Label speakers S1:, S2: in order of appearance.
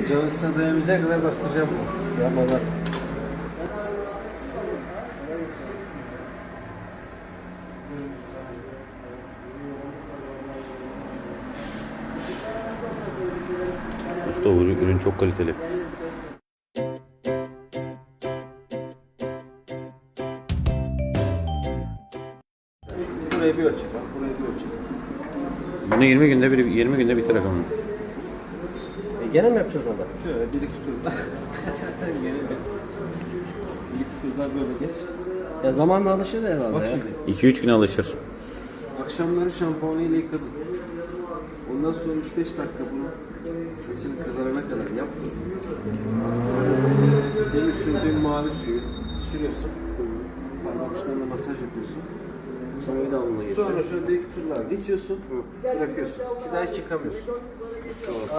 S1: Canısına dayanamayacak kadar bastıracağım bu. Yapmadan.
S2: Usta ürün çok kaliteli.
S1: Burayı bir ölçek var, burayı bir ölçek.
S2: Bunu 20 günde biter efendim.
S3: Gene mi yapacağız orada?
S1: Şöyle bir iki turda. Gene bir iki turda böyle geç.
S3: Ya zamanla alışır herhalde
S1: Bak
S3: ya.
S1: şimdi.
S2: 2-3 güne alışır.
S1: Akşamları şampuanıyla yıkadın. Ondan sonra 3-5 dakika bunu saçını kızarana kadar yaptın. Demin sürdüğün mavi suyu sürüyorsun. Parmak uçlarına masaj yapıyorsun.
S3: Sonra bir daha onunla geçiyor.
S1: Sonra şöyle bir iki turlar geçiyorsun. Bırakıyorsun. Bir daha hiç yıkamıyorsun.